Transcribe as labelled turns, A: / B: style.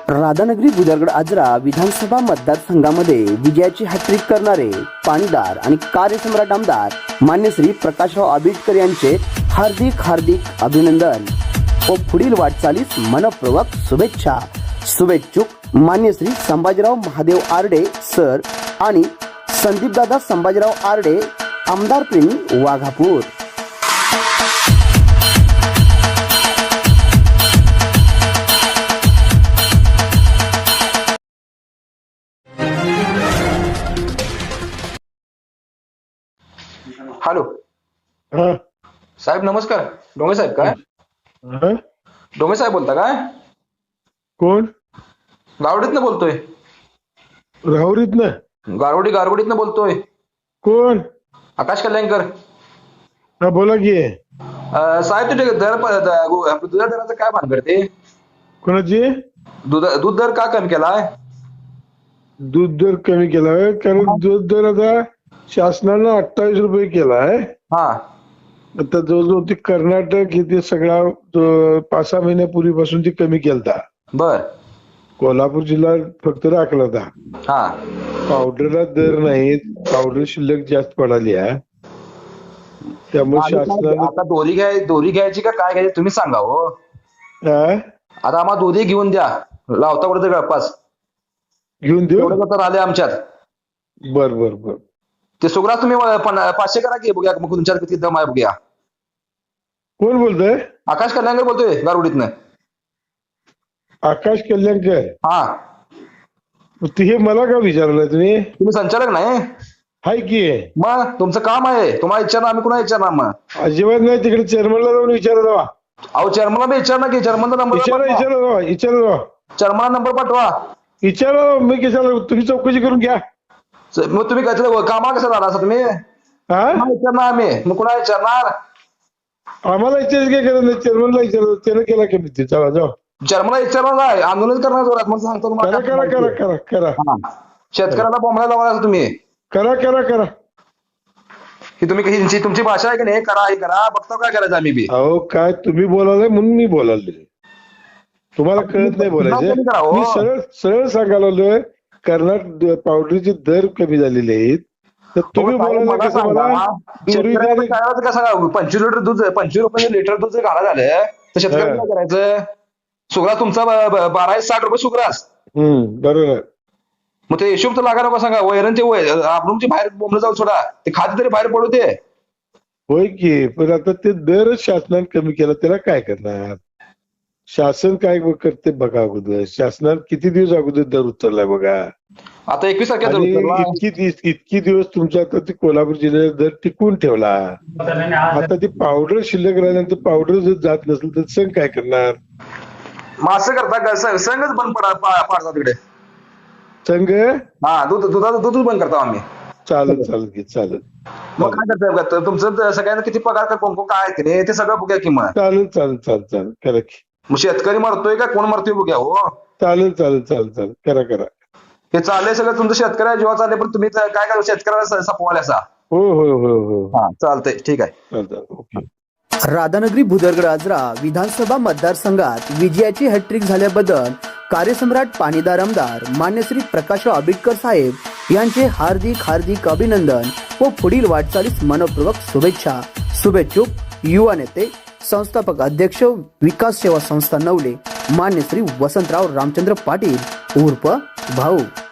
A: राधानगरी बुदरगड आजरा विधानसभा मतदारसंघामध्ये विजयाची हॅट्रिक करणारे पाणीदार आणि कार्यसम्राट आमदार मान्य श्री प्रकाशराव आंबेडकर यांचे हार्दिक अभिनंदन व पुढील वाटचालीस मनपूर्वक शुभेच्छा. शुभेच्छुक मान्य श्री संभाजीराव महादेव आरडे सर आणि संदीपदादा संभाजीराव आरडे आमदार प्रेमी वाघापूर.
B: हॅलो
C: हा.
B: साहेब नमस्कार. डोंगे साहेब काय?
C: हा?
B: डोंगे साहेब बोलता काय?
C: कोण?
B: गारवडीतनं बोलतोय.
C: राहुरीत ना?
B: गारवडीतनं बोलतोय.
C: कोण?
B: आकाश कल्याणकर.
C: हा बोला की.
B: साहेब तुझे दुधा दराचं काय भान करते?
C: कोणाची?
B: दूध दर का कमी केलाय?
C: दूध दर कमी केलाय कारण दूध दर आता शासनानं 28 रुपये केलाय.
B: हा
C: आता जवळजवळ ती कर्नाटक इथे सगळा 5-6 महिन्यापूर्वीपासून ती कमी केलता.
B: बर. कोल्हापूर
C: कोल्हापूर जिल्हा फक्त राखला होता.
B: हा
C: पावडरला दर नाही, पावडर शिल्लक जास्त पडाली आहे. त्यामुळे शासनानं
B: आता दोरी घ्यायची का काय घ्यायची तुम्ही सांगा हो.
C: हा?
B: आता आम्हाला दोरी घेऊन द्या. लावता कुठे गळपास
C: घेऊन देऊ.
B: एवढं तर आले आमच्यात.
C: बर बर बर.
B: ते सुग्रास तुम्ही 500 करा की बघूया मग तुमच्यात किती दम आहे बघूया.
C: कोण बोलतोय?
B: आकाश कल्याणकर बोलतोय गारवडीतनं.
C: आकाश कल्याणकर.
B: हा
C: ते हे मला का विचारलं तुम्ही?
B: तुम्ही संचालक नाही?
C: हाय की.
B: मग तुमचं काम आहे. तुम्हाला विचारणार आम्ही कुणा विचारणार मग?
C: अजिबात नाही. तिकडे चेअरमनला जाऊन विचारा जावा.
B: अहो चेअरमनला मी विचारणार की चेअरमनचा नंबर
C: विचारा जावा.
B: चेअरमनला नंबर पाठवा.
C: विचारा. मी कशाला? तुम्ही चौकशी करून घ्या.
B: मग तुम्ही कामाला कसं झाला असं तुम्ही?
C: हा?
B: विचारणार आम्ही मग कुणा विचारणार?
C: आम्हाला विचारायचं काय करत नाही. चेअरमनला विचारा. त्यानं केला कमी ते. चला जाऊ.
B: चेअरमनला विचारणार आहे. आंदोलन करणार जोरात मग सांगतो
C: करा करा करा करा करा
B: हा. शेतकऱ्याला बोंबला लावा असं तुम्ही.
C: करा करा करा.
B: ही तुम्ही तुमची भाषा आहे की नाही? करा हे करा. बघता काय करायचं आम्ही बी.
C: अहो काय तुम्ही बोलायला म्हणून मी बोलायले. तुम्हाला कळत नाही बोलायचं. मी सरळ सरळ सांगायला आलोय. कर्नाटक पावडरचे दर कमी झालेले आहेत तर तुम्ही बोलायला कसं मला दोरी द्या.
B: 25 लिटर दूध 25 रुपये लिटर दूध जर घाला झालं तर शेतकऱ्याला काय करायचं? सुग्रास तुमचा 1260 रुपये सुग्रास.
C: बरोबर आहे.
B: मग ते हिशोब तर लागा नको सांगा. वैरणचे आपण बाहेर बोंबलं जाऊ सोडा. ते खाते तरी बाहेर पडू दे.
C: होय की. पण आता ते दरच शासनाने कमी केला त्याला काय करणार? शासन काय करते बघा अगोदर. शासनाने किती दिवस अगोदर दर उतरलाय बघा.
B: आता 21
C: आणि
B: तारखेला
C: इतकी दिवस तुमचा आता ते कोल्हापूर जिल्ह्यात दर टिकून ठेवला. आता ती पावडर शिल्लक राहिल्यानंतर पावडर जर जात नसेल तर संघ काय करणार?
B: मग असं करता का? संघच बंद पाडता तिकडे.
C: संघ
B: हा दुधाचं दूध बंद करता आम्ही.
C: चालत चालत की चालत.
B: मग काय करता? तुमचं सगळ्यांना किती पगार कोण काय आहे की नाही ते सगळं बघूया की मग.
C: चालत चालत चालत चालत करा की.
B: मग शेतकरी मरतोय का कोण मरतोय बघूया हो.
C: चालेल चालेल चालेल चालेल करा करा.
B: हे चाललंय सगळं तुमचं शेतकऱ्या जीवा चालले पण तुम्ही काय करा शेतकऱ्याला सपवाल असा.
C: हो हो हो हो.
B: हा चालतंय ठीक आहे.
C: चालतं ओके.
A: राधानगरी बुदरगड आजरा विधानसभा मतदारसंघात विजयाची हॅट्रिक झाल्याबद्दल कार्यसम्राट पाणीदार आमदार मान्य श्री प्रकाशराव आंबेडकर साहेब यांचे हार्दिक अभिनंदन व पुढील वाटचालीस मनपूर्वक शुभेच्छा. शुभेच्छुक युवा नेते संस्थापक अध्यक्ष विकास सेवा संस्था नवले मान्य श्री वसंतराव रामचंद्र पाटील उर्फ भाऊ.